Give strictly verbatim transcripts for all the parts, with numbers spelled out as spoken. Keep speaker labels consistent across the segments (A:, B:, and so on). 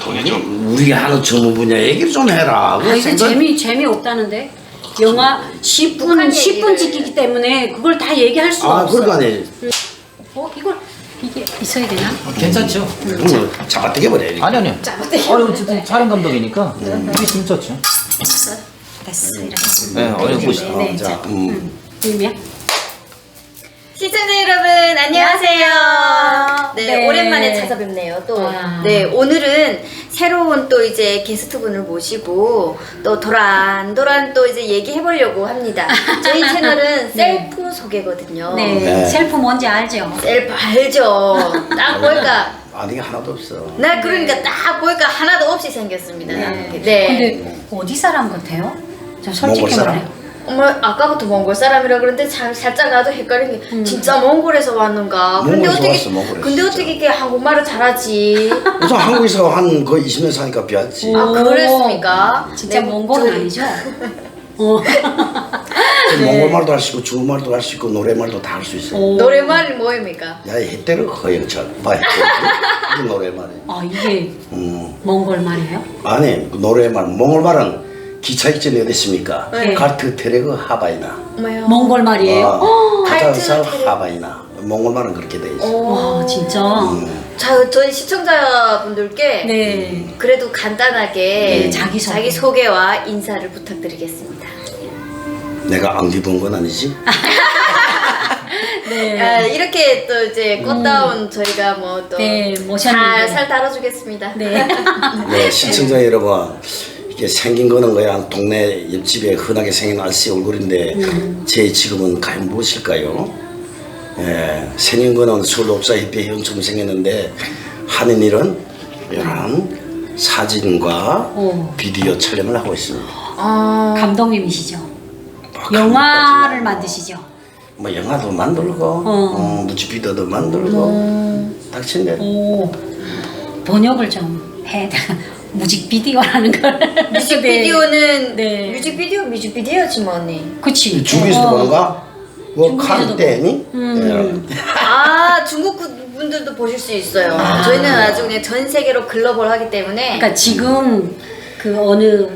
A: 그게 좀
B: 우리 하는 전문 분야 얘기를 좀 해라.
C: 아, 이게
B: 생각-
C: 재미 재미 없다는데 영화 십 분
D: 북한
C: 십 분
D: 얘기를.
C: 찍히기 때문에 그걸 다 얘기할 수가
B: 아,
C: 없어.
B: 그러니까 아니.
C: 어 이걸 이게 있어야 되나?
E: 괜찮죠?
B: 그럼 잡아떼게 버려.
E: 아니 아니요.
C: 잡아떼기.
E: 아니 어쨌든 촬영 감독이니까 이게 있으면 좋죠.
C: 됐어 이렇게.
E: 네, 어여 보시죠.
C: 네,
B: 자,
C: 자,
B: 음.
C: 음. 이미야?
D: 시청자 여러분 안녕하세요. 네,
C: 네.
D: 오랜만에 찾아뵙네요. 또
C: 와.
D: 네, 오늘은 새로운 또 이제 게스트분을 모시고 또 도란도란 또 이제 얘기해 보려고 합니다. 저희 채널은 셀프 소개거든요.
C: 네.
B: 네.
C: 셀프 뭔지 알죠?
D: 셀프 알죠. 딱 보니까
B: 아는 게 하나도 없어.
D: 나 그러니까 딱 보니까 하나도 없이 생겼습니다.
C: 네.
D: 네.
C: 근데 어디 사람 같아요? 저 솔직히
B: 몽골 사람.
C: 말해요.
D: 어머 아까부터 몽골 사람이라 그러는데 살, 살짝 나도 헷갈린 게
C: 음.
D: 진짜 몽골에서 왔는가? 근데
B: 몽골에서
D: 어떻게
B: 왔어, 몽골에서
D: 근데
B: 진짜.
D: 어떻게 이렇게 한국말을 잘하지?
B: 우선 한국에서 한 거의 이십 년 사니까 비하지.
D: 아
C: 오.
D: 그랬습니까?
C: 진짜
D: 네,
C: 몽골
D: 저희-
C: 아니죠? 어.
B: 몽골말도 할 수 있고 중국말도 할 수 있고 노래말도 다 할 수 있어.
C: 오.
D: 노래말이 뭐입니까?
B: 야, 해때를 허영철. 봐, 이게 노래말이.
C: 아 이게
B: 음.
C: 몽골 말이에요?
B: 아니, 그 노래말, 몽골말은 기차 익전이 어디 있습니까?
C: 네.
B: 카르트 테레그 하바이나.
D: 뭐요?
C: 몽골 말이에요?
B: 어,
D: 카르트
B: 카자흐
D: 테레그.
B: 하바이나. 몽골말은 그렇게 돼 있어.
C: 와 진짜.
B: 음.
D: 자, 저희 시청자분들께
C: 네.
D: 그래도 간단하게
C: 네, 자기소개.
D: 자기소개와 인사를 부탁드리겠습니다.
B: 내가 안 입은 건 아니지?
C: 네.
D: 아, 이렇게 또 이제 꽃다운 저희가 뭐또
C: 네,
D: 잘
C: 모셨는데.
D: 살 다뤄주겠습니다.
C: 네.
B: 네, 시청자 여러분, 이게 생긴 거는 그냥 동네 옆집에 흔하게 생긴 아저씨 얼굴인데
C: 음.
B: 제 직업은 과연 무엇일까요? 예, 생긴 거는 서울옵사 협회 회원처럼 생겼는데 하는 일은 이런 사진과
C: 오.
B: 비디오 촬영을 하고 있습니다.
D: 아,
C: 감독님이시죠?
B: 뭐
C: 영화를
B: 감독까지는
C: 만드시죠?
B: 뭐 영화도 만들고
C: 어.
B: 어, 뮤직비디오도 만들고 닥친대.
C: 오. 번역을 좀 해. 뮤직비디오라는 걸.
D: 뮤직비디오는
C: 네.
D: 뮤직비디오 뮤직비디오지 뭐 언니.
C: 그치.
B: 중국에서도
C: 어.
B: 보는가? 뭐
C: 중국에서도
B: 카르테니?
C: 음.
D: 아 중국 분들도 보실 수 있어요.
C: 아.
D: 저희는 아주 그냥 전 세계로 글로벌하기 때문에
C: 그러니까 지금 그 어느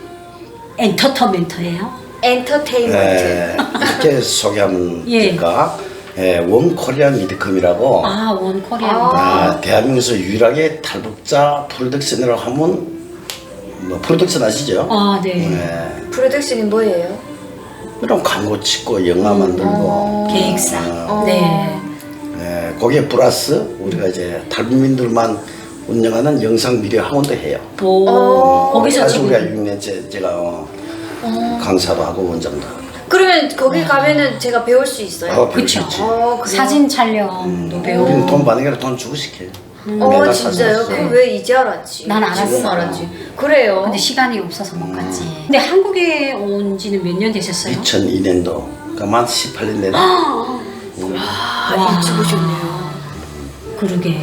C: 엔터테인먼트예요?
D: 엔터테인먼트.
B: 예, 이렇게 소개하면
C: 예.
B: 될까? 예, 원 코리안 미드컴이라고
C: 아, 원 코리아.
D: 아.
B: 아, 대한민국에서 유일하게 탈북자 프로덕션이라고 하면 뭐 프로덕션 아시죠?
C: 아, 네.
B: 예,
D: 프로덕션이 뭐예요?
B: 그럼 광고 찍고 영화 만들고
C: 계획사.
B: 어,
C: 네.
B: 예, 거기에 플러스 우리가 이제 탈북민들만 운영하는 영상 미디어 학원도 해요.
C: 오.
D: 어.
C: 거기서
B: 사실 우리가
C: 지금
B: 육 년째 제가 어, 강사도 하고 원장도 하고.
D: 그러면 거기 가면은 제가 배울 수 있어요?
B: 어,
C: 그쵸.
B: 그렇지.
D: 어, 그래요?
C: 사진 촬영도 배우고.
B: 우리는 돈 받는 게 아니라 돈 주고 시켜요.
D: 어
B: 매달
D: 진짜요?
B: 사진
D: 그럼 왜 이제 알았지?
C: 난 알았어.
D: 지금 알았지. 그래요.
C: 근데 시간이 없어서 못 갔지. 근데 한국에 온 지는 몇 년 되셨어요?
B: 이천이 년도 그러니까 만 십팔 년 되네.
D: 아 일찍 오셨네요.
C: 그러게.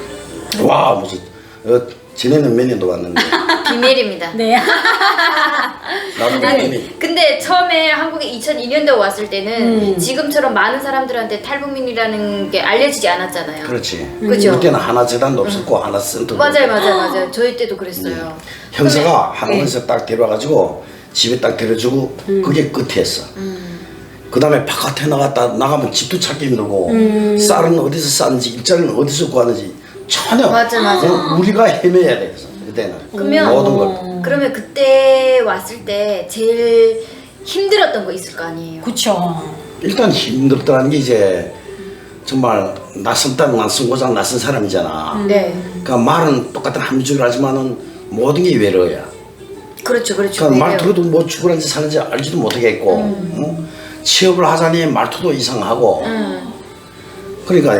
B: 와 무슨 어, 지네는 몇 년도 왔는데
D: 비밀입니다.
C: 네.
B: 나도 몇 년이
D: 근데 처음에 한국에 이천이 년도에 왔을 때는
C: 음.
D: 지금처럼 많은 사람들한테 탈북민이라는 게 알려지지 않았잖아요.
B: 그렇지.
D: 그죠?
B: 그때는 하나 재단도 없었고 하나 센터도
D: 맞아요,
B: 없고.
D: 맞아요, 맞아요. 저희 때도 그랬어요.
B: 형사가
D: 네.
B: 한국에서 딱 데려와가지고 집에 딱 데려주고
D: 음.
B: 그게 끝이었어. 그 다음에 바깥에 나갔다 나가면 집도 찾기 힘들고
D: 음.
B: 쌀은 어디서 쌌는지 일자리는 어디서 구하는지 전혀
D: 맞아, 맞아.
B: 어, 우리가 헤매야 돼. 그때는
D: 그러면-
B: 모든 걸.
D: 그러면 그때 왔을 때 제일 힘들었던 거 있을 거 아니에요?
C: 그쵸.
B: 일단 힘들더라는 게 이제 정말 낯선 땅 낯선 고장 낯선 사람이잖아.
D: 네,
B: 그러니까 말은 똑같은 함축을 하지만은 모든 게 외로야.
D: 그렇죠, 그렇죠.
B: 그러니까
D: 왜요?
B: 말투도 뭐 죽으란지 사는지 알지도 못하겠고 어? 취업을 하자니 말투도 이상하고
D: 음.
B: 그러니까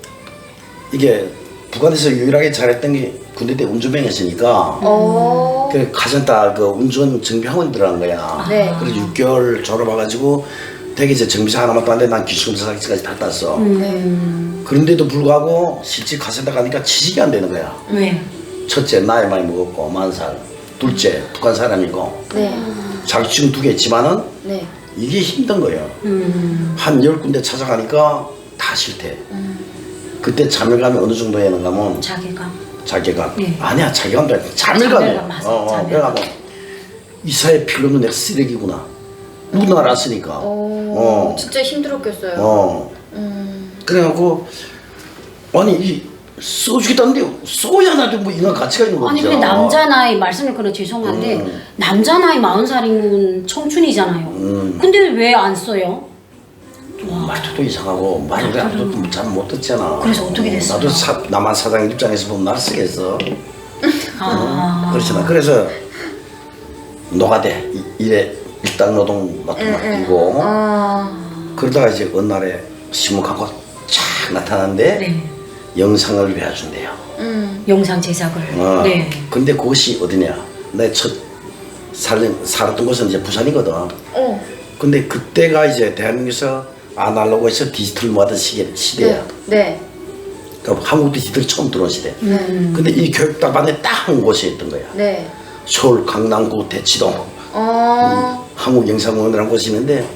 B: 이게 북한에서 유일하게 잘했던 게 군대 때 운전병이었으니까
D: 어.
B: 그 가정다 그 운전 정비학원 들어간 거야.
D: 네.
B: 그래서 육 개월 졸업해가지고 되게 이제 정비사 하나만 땄는데 난 기술검사까지 다 땄어.
D: 네.
B: 그런데도 불구하고 실제 가센터 가니까 취직이 안 되는 거야.
C: 왜?
B: 첫째 나이 많이 먹었고 만 살, 둘째 북한 사람이고
D: 네.
B: 자격증 두 개 있지만은
D: 네.
B: 이게 힘든 거예요.
C: 음.
B: 한 열 군데 찾아가니까 다 싫대. 그때 자멸감이 어느 정도 했는가 하면
C: 자기가.
B: 자기가
C: 네.
B: 아니야 자기가 자멸감이야.
C: 자멸감, 맞아.
B: 어, 어,
C: 자멸감.
B: 그래가지고 이 사회 필요는 내가 쓰레기구나. 누구나 알았으니까.
D: 오,
B: 어.
D: 진짜 힘들었겠어요.
B: 어.
D: 음.
B: 그래갖고 아니 이 써주겠다는데 써야 나도 뭐 인간 가치가 있는 거죠.
C: 아니 근데 남자 나이 말씀을 그래 죄송한데
B: 음.
C: 남자 나이 마흔 살이면 청춘이잖아요.
B: 음.
C: 근데 왜 안 써요?
B: 말투도 이상하고 말을 아무도 잘 못 듣잖아.
C: 그래서 어떻게 됐어요?
B: 나도 사, 남한 사장 입장에서 보면 날 쓰겠어.
C: 아.
B: 그렇잖아. 그래서 노가대 이- 일에 일당 노동 맡고 맡기고
D: 어.
B: 그러다가 이제 어느 날에 신문 갖고 쫙 나타났는데
C: 네.
B: 영상을 배워준대요.
D: 음.
C: 영상 제작을.
B: 어.
C: 네.
B: 근데 그것이 어디냐? 내 첫 살았던 곳은 이제 부산이거든.
D: 어.
B: 근데 그때가 이제 대한민국에서 아날로그에서 디지털 모아던 시계, 시대야.
D: 네. 네.
B: 그러니까 한국 디지털이 처음 들어온 시대.
C: 음.
B: 근데 이 교육단반에 딱 한 곳이 있던 거야.
D: 네.
B: 서울 강남구 대치동
D: 어.
B: 한국영상공원이라는 곳이 있는데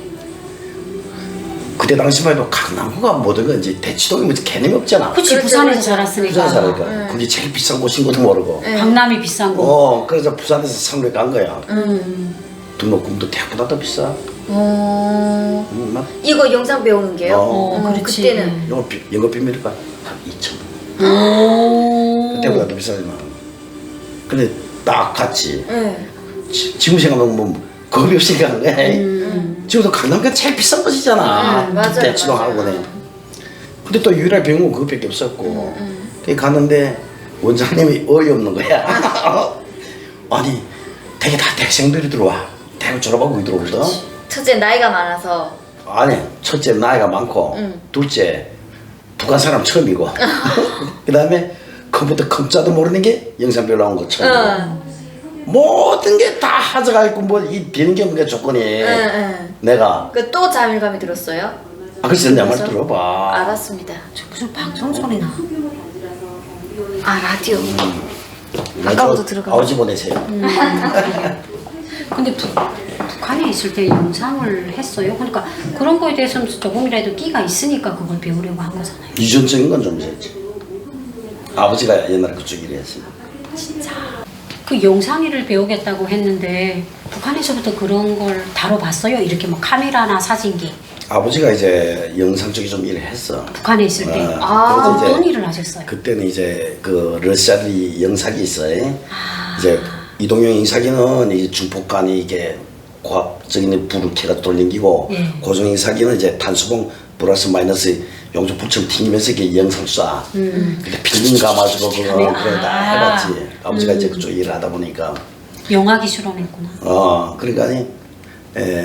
B: 그때 당시만 해도 강남구가 모든 건 이제 대치동이 뭐 개념이 없잖아.
C: 그치
D: 그렇죠,
C: 부산에서
D: 그렇죠.
C: 자랐으니까.
B: 부산 살니까 그게 제일 비싼 곳인 것도 모르고.
D: 네.
C: 강남이 비싼 거.
B: 어 그래서 부산에서 상륙 간 거야.
C: 음.
B: 등록금도 대학보다 더 비싸.
D: 어.
B: 음, 막
D: 이거 영상 배우는 게요?
B: 어.
C: 어, 그렇지.
D: 그때는.
B: 영업 비- 영업 비밀가 한 이천 원.
C: 오.
B: 그때보다 더 비싸지만. 근데 딱 갔지.
D: 네.
B: 지, 지금 생각하면 뭐 겁이 없이 가는 거야. 지금도 강남가 제일 비싼 곳이잖아.
D: 음, 맞아요,
B: 대치동
D: 맞아요.
B: 학원에. 근데 또 유일하게 배운 건 그것밖에 없었고. 그게 갔는데 원장님이 어이없는 거야. 아니 되게 다 대학생들이 들어와. 대학 졸업하고 들어오거든.
D: 첫째 나이가 많아서.
B: 아니 첫째 나이가 많고
D: 음.
B: 둘째 북한 사람 처음이고 그 다음에 컴퓨터 컴자도 모르는 게 영상별 나온 거 처음이고
D: 어.
B: 모든 게 다 하자가 있고 뭐 이 비행경의 조건이
D: 응, 응.
B: 내가
D: 그 또 자밀감이 들었어요?
B: 아 글쎄 내 말
D: 그래서?
B: 들어봐.
D: 알았습니다.
C: 저 무슨 방송 소리 나.
D: 아 라디오.
B: 나
D: 아까부터
B: 저
D: 들어가.
B: 아버지 보내세요.
C: 근데 북, 북한에 있을 때 영상을 했어요. 그러니까 그런 거에 대해서는 조금이라도 끼가 있으니까 그걸 배우려고 한 거잖아요.
B: 유전적인 건 좀 있었지. 아버지가 옛날에 그쪽 일을 했어요.
C: 그 영상일을 배우겠다고 했는데 북한에서부터 그런 걸 다뤄봤어요. 이렇게 뭐 카메라나 사진기.
B: 아버지가 이제 영상 쪽에 좀 일을 했어.
C: 북한에 있을 때
B: 어,
D: 아,
B: 그래서
C: 어떤
B: 이제
C: 일을 하셨어요?
B: 그때는 이제 그 러시아리 영사기 있어요.
C: 아.
B: 이제 이동형 영사기는 이 중폭간이 이게 고압적인 불을 켜가 돌리기고
C: 예.
B: 고정 영사기는 이제 탄수봉 플러스 마이너스 용접불처럼 튕기면서 이게 영상 쏴.
C: 음.
B: 근데 필름 감아주고 그거
C: 네.
B: 그래 다
C: 아.
B: 해봤지. 아버지가 이제 그쪽 일을 하다 보니까
C: 영화 기술원 했구나.
B: 어 그러니까 에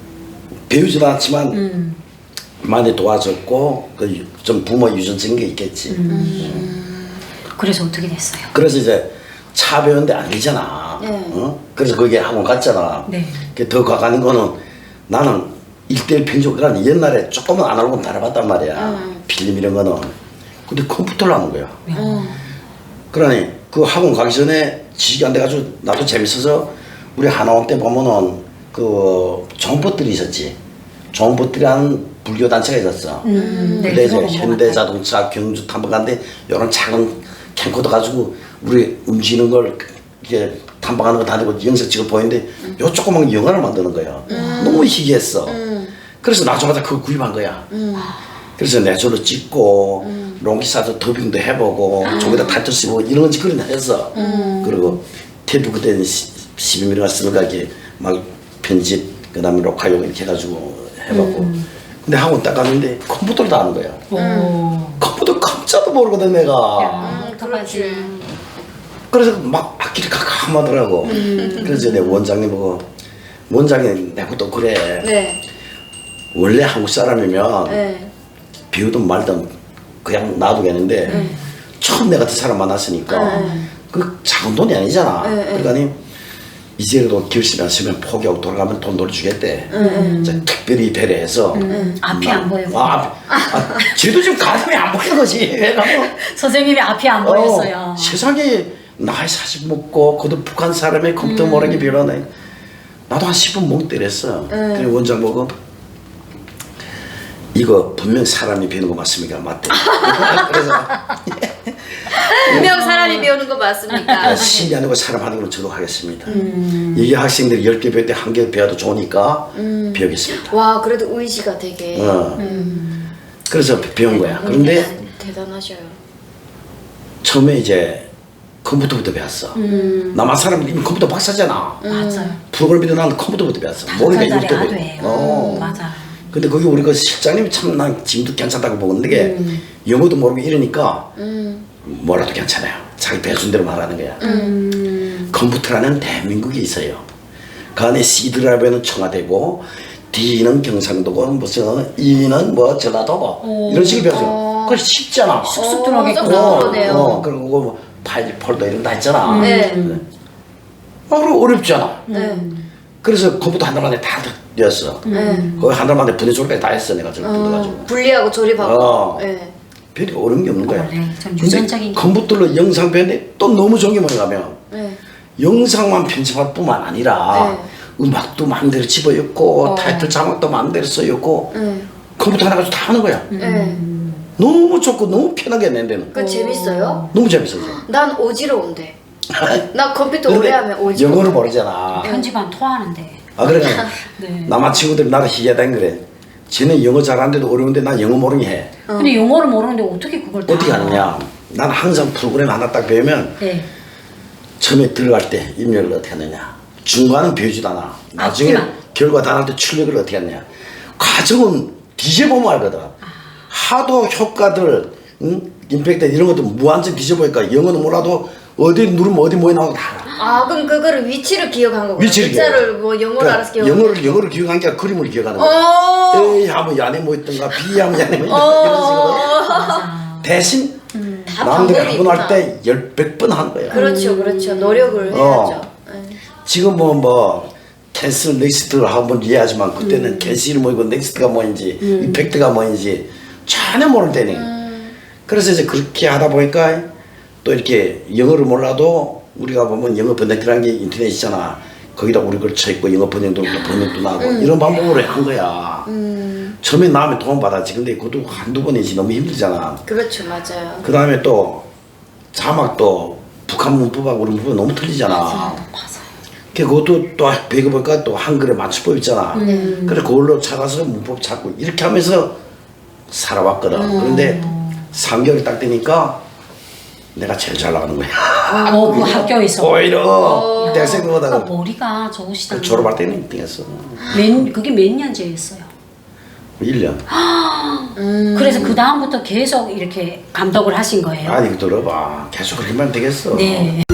B: 배우지도 않지만
C: 음.
B: 많이 도와줬고 그 좀 부모 유전적인 게 있겠지.
C: 음. 그래서 어떻게 됐어요?
B: 그래서 이제 차 배우는데 아니잖아.
D: 네.
B: 어? 그래서 거기에 학원 갔잖아.
C: 네.
B: 그더 가가는 거는 나는 일대일 편집 그러니 옛날에 조금은 아날로그 달아봤단 말이야.
D: 음.
B: 필름 이런 거는. 근데 컴퓨터를 하는 거야.
D: 어.
B: 그러니 그 학원 가기 전에 지식이 안 돼가지고 나도 재밌어서 우리 하나원 때 보면은 그 정보들이 있었지. 정보들이라는 불교 단체가 있었어.
C: 음, 네,
B: 근데 이제
C: 들어본 것 같아요.
B: 현대자동차 경주 탐방하는데 이런 작은 캠코더 가지고 우리 움직이는 걸 이렇게 탐방하는 거 다니고 영상 찍어 보이는데 요 조그만 영화를 만드는 거야. 너무 희귀했어. 그래서 나중에 그거 구입한 거야. 그래서 내조로 찍고 롱기사도 더빙도 해보고 저기다 타이틀 쓰고 이런 거 그런 거 했어. 그리고 테이프 그때는 십이 밀리미터 쓰는 거 이렇게 막 편집 그다음에 녹화용 이렇게 해가지고 해봤고. 근데 학원 딱 갔는데 컴퓨터를 다 하는 거야.
C: 오.
B: 컴퓨터 컴자도 모르거든 내가.
C: 야, 어떡하지?
B: 그래서 막 악기를 캄캄하더라고. 그래서 내 원장님 보고 원장님 내가 또 그래.
D: 네.
B: 원래 한국 사람이면
D: 네.
B: 비우든 말든 그냥 놔두겠는데 처음 내가 그 사람 만났으니까
D: 네.
B: 그 작은 돈이 아니잖아.
D: 네,
B: 그러니까 이제라도 결심했으면 포기하고 돌아가면 돈 돌려주겠대. 이제 특별히 배려해서
C: 음, 앞이 안 보이고.
B: 아, 앞, 아, 쟤도 지금 가슴이 안 보이는 거지. 왜냐면
C: 선생님이 앞이 안 보였어요.
B: 어, 세상에 나이 사십 먹고 그도 북한 사람의 컴퓨터 모르게 변하네. 나도 한 십 분 멍 때렸어. 그래 원장 보고 이거 분명 사람이 배우는 거 맞습니까? 맞대. 그래서
D: 분명 사람이 배우는 거 맞습니까?
B: 신이 아니고 사람 하는 걸 저도 하겠습니다. 이게 학생들이 열 개 배울 때 한 개 배워도 좋으니까 배우겠습니다.
D: 와 그래도 의지가 되게
B: 어. 그래서 배운 거야. 그런데
D: 대단, 대단하셔요.
B: 처음에 이제 컴퓨터부터 배웠어. 남한 사람은 이미 컴퓨터 박사잖아.
C: 맞아요.
B: 프로그램이도 나는 컴퓨터부터 배웠어.
C: 다섯
B: 모르니까
C: 살짜리
B: 이부터
C: 아도예요.
B: 어.
C: 맞아.
B: 근데 거기 우리 그 실장님이 참 난 지금도 괜찮다고 보는데 게
C: 음.
B: 영어도 모르고 이러니까
D: 음.
B: 뭐라도 괜찮아요. 자기 배순대로 말하는 거야.
C: 음.
B: 컴퓨터라는 대한민국이 있어요. 그 안에 C 드라이브는 청와대고 D는 경상도고 무슨 E는 뭐 전라도고
C: 오.
B: 이런 식으로 배웠어.
D: 어.
B: 그거 쉽잖아.
C: 쑥쑥 들어가겠구나.
D: 쏙쏙 들어오네요.
B: 어, 그리고 뭐 파일 폴더 이런 거 다 있잖아.
D: 네.
B: 어, 그럼 어렵잖아.
D: 네.
B: 그래서 컴퓨터 한 달 만에 다 되었어.
D: 네.
B: 거기 한 달 만에 분해 조리까지 다 했어 내가 저를 뜯어가지고.
D: 어, 분리하고 조립하고.
B: 어.
D: 네.
B: 별이 어려운 게 없는 거야.
C: 원래 좀
B: 근데
C: 유전적인 게.
B: 컴퓨터로 영상 배우는데 또 너무 좋은 게 뭐냐 하면
D: 네.
B: 영상만 편집할 뿐만 아니라 음악도 마음대로 집어넣고
D: 어.
B: 타이틀 자막도 마음대로 써넣고
D: 네.
B: 컴퓨터 하나 가지고 다 하는 거야.
D: 네.
B: 너무 좋고 너무 편하게 내 데는.
D: 그 재밌어요?
B: 너무 재밌어서.
D: 난 오지러운데. 나 컴퓨터 오래
B: 근데
D: 하면 오지러워.
B: 영어를 모르잖아.
C: 편집하면 토하는데.
B: 아 그러니까
C: 네.
B: 남한 친구들이 나를 희귀하다는 그래. 쟤는 영어 잘하는데도 어려운데 난 영어 모르게 해.
C: 근데 영어를 모르는데 어떻게 그걸 다
B: 어떻게 하느냐. 난 항상 프로그램 하나 딱 배우면
C: 네.
B: 처음에 들어갈 때 입력을 어떻게 하느냐. 중간은 배우지도 않아. 나중에
C: 앞뒤만.
B: 결과 다 나올 때 출력을 어떻게 하느냐. 과정은 뒤져보면 알거든. 하도 효과들, 응? 임팩트 이런 것도 무한정 뒤져보니까 영어는 몰라도 어디 누르면 어디 뭐에 나오고 다 알아.
D: 아 그럼 그거를 위치를 기억한 거구나.
B: 위치를
D: 글자를 뭐 영어로
B: 그러니까
D: 알아서 기억.
B: 영어를 영어를 기억한 게 아니라 그림을 기억하는 거야.
D: 어.
B: A 하면 이 안에 뭐 있던가 B 하면 이 안에 뭐 있던가 이런 식으로.
C: 맞아.
B: 대신
D: 다
B: 남들이
D: 방법이
B: 한 번 할
D: 있구나.
B: 때 열백 번 하는 거야.
D: 그렇죠, 그렇죠. 노력을
B: 어.
D: 해야죠. 네.
B: 지금 뭐 뭐 캔슬 넥스트를 한번 이해하지만 그때는
D: 음.
B: 캔슬이 뭐이고 넥스트가 뭐인지 이펙트가 뭐인지 전혀 모를 때니.
D: 음.
B: 그래서 이제 그렇게 하다 보니까 또 이렇게 영어를 몰라도 우리가 보면 영어 번역기라는 게 인터넷 있잖아. 거기다 우리 걸 쳐있고 영어 번역도 또 번역도 나고 이런 방법으로 한 거야.
D: 음.
B: 처음에 나오면 도움 받았지. 근데 그것도 한두 번이지 너무 힘들잖아.
D: 그렇죠, 맞아요.
B: 그 다음에 또 자막도 북한 문법하고 우리 문법 너무 틀리잖아.
C: 맞아요.
B: 그 그것도 또 배워보니까 또 한글의 맞춤법 있잖아.
C: 네.
B: 그래 그걸로 찾아서 문법 찾고 이렇게 하면서 살아왔거든. 그런데 삼 개월이 딱 되니까 내가 제일 잘 나가는 거야.
C: 어, 그 학교에서.
B: 오히려 대학생보다
C: 그러니까 머리가 좋으시다.
B: 졸업할 때는 일 등 했어.
C: 몇, 그게 몇 년째였어요?
B: 일 년.
C: 그래서 그 다음부터 계속 이렇게 감독을 하신 거예요?
B: 아니 들어봐. 계속 그렇게만 되겠어.
C: 네.